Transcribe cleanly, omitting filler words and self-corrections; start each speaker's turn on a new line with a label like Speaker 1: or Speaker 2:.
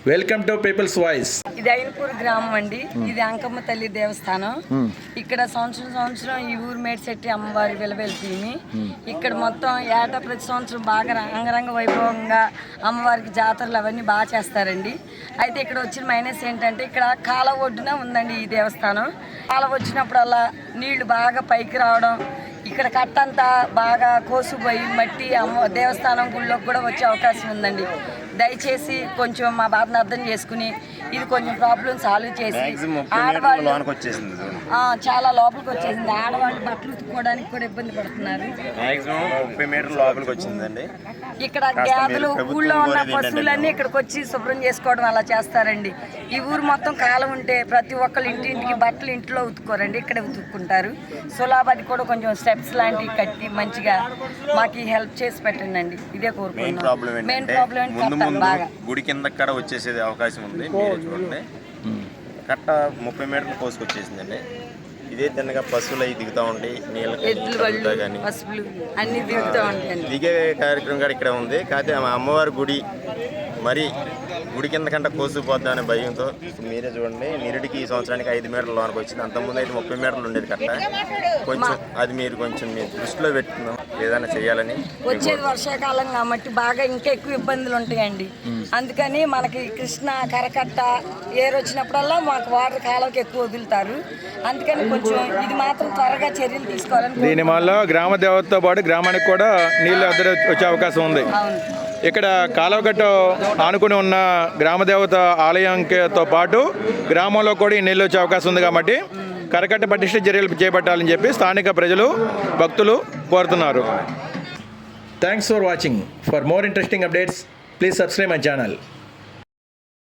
Speaker 1: Welcome to peoples voice.
Speaker 2: ఇది అయినపూర్ గ్రామం అండి. ఇది అంకమ్మ తల్లి దేవస్థానం. ఇక్కడ సంవత్సరం ఈ ఊరు మేడ్శెట్టి అమ్మవారి విలవెల్పింది. ఇక్కడ మొత్తం ఏటా ప్రతి సంవత్సరం బాగా అంగరంగ వైభవంగా అమ్మవారికి జాతరలు అవన్నీ బాగా చేస్తారండి. అయితే ఇక్కడ వచ్చిన మైనస్ ఏంటంటే ఇక్కడ కాలువ ఒడ్డున ఉందండి ఈ దేవస్థానం. కాలువ వచ్చినప్పుడల్లా నీళ్లు బాగా పైకి రావడం, ఇక్కడ కట్టంతా బాగా కోసుపోయి మట్టి దేవస్థానం గుళ్ళోకి కూడా వచ్చే అవకాశం ఉందండి. దయచేసి కొంచెం మా బాధను అర్థం చేసుకుని ఇది కొంచెం ప్రాబ్లం సాల్వ్ చేసి ఆడవాళ్ళు చాలా లోపలికి వచ్చేసింది. ఆడవాళ్ళు బట్టలు ఉతుక్కోవడానికి కూడా ఇబ్బంది పడుతున్నారు. ఇక్కడ గేదెలు ఊళ్ళో ఉన్న పశువులన్నీ ఇక్కడికి వచ్చి శుభ్రం చేసుకోవడం అలా చేస్తారండి. ఈ ఊరు మొత్తం కాలం ఉంటే ప్రతి ఒక్కరు ఇంటింటికి బట్టలు ఇంట్లో ఉతుక్కోరండి, ఇక్కడే ఉతుక్కుంటారు. సులాభది కూడా కొంచెం స్టెప్స్ లాంటివి కట్టి మంచిగా మాకు హెల్ప్ చేసి పెట్టండి. ఇదే కోరుకుంటున్నాం. మెయిన్ ప్రాబ్లం బాగా
Speaker 3: గుడి కింద కట్ట వచ్చేసేది అవకాశం ఉంది. మీరు చూడండి, కట్ట 30 మీటర్లు కోసుకొచ్చేసిందండి. ఇదే తిన్నగా పశువులు అవి దిగుతూ ఉంటాయి, నీళ్ళకి కానీ దిగే కార్యక్రమం కూడా ఇక్కడ ఉంది. కాకపోతే అమ్మవారి గుడి మరి గుడి కింద కంటే కోసుకుపోద్దాం అనే భయంతో మీరే చూడండి, నిరుడికి ఈ సంవత్సరానికి 5 మీటర్ల లోనికి వచ్చింది. అంతకుముందు అయితే 30 మీటర్లు ఉండేది కట్ట. కొంచెం అది మీరు కొంచెం మీ దృష్టిలో పెట్టుకుందాం, ఏదైనా చేయాలని.
Speaker 2: వచ్చేది వర్షాకాలం కాబట్టి బాగా ఇంకా ఎక్కువ ఇబ్బందులు ఉంటాయండి. అందుకని మనకి కృష్ణ కరకట్ట ఏరు వచ్చినప్పుడల్లా మాకు వాటర్ కాలంకి ఎక్కువ వదులుతారు. అందుకని కొంచెం ఇది మాత్రం త్వరగా చర్యలు తీసుకోవాలని.
Speaker 1: దీనివల్ల గ్రామ దేవతతో పాటు గ్రామానికి కూడా నీళ్ళు అద్దరు వచ్చే అవకాశం ఉంది. ఇక్కడ కాలువగట్టు ఆనుకుని ఉన్న గ్రామదేవత ఆలయంతో పాటు గ్రామంలో కూడా ఈ నీళ్ళు వచ్చే అవకాశం ఉంది. కాబట్టి కరకట్ట పటిష్ట చర్యలు చేపట్టాలని చెప్పి స్థానిక ప్రజలు భక్తులు కోరుతున్నారు. Thanks for watching. For more interesting updates please subscribe my channel.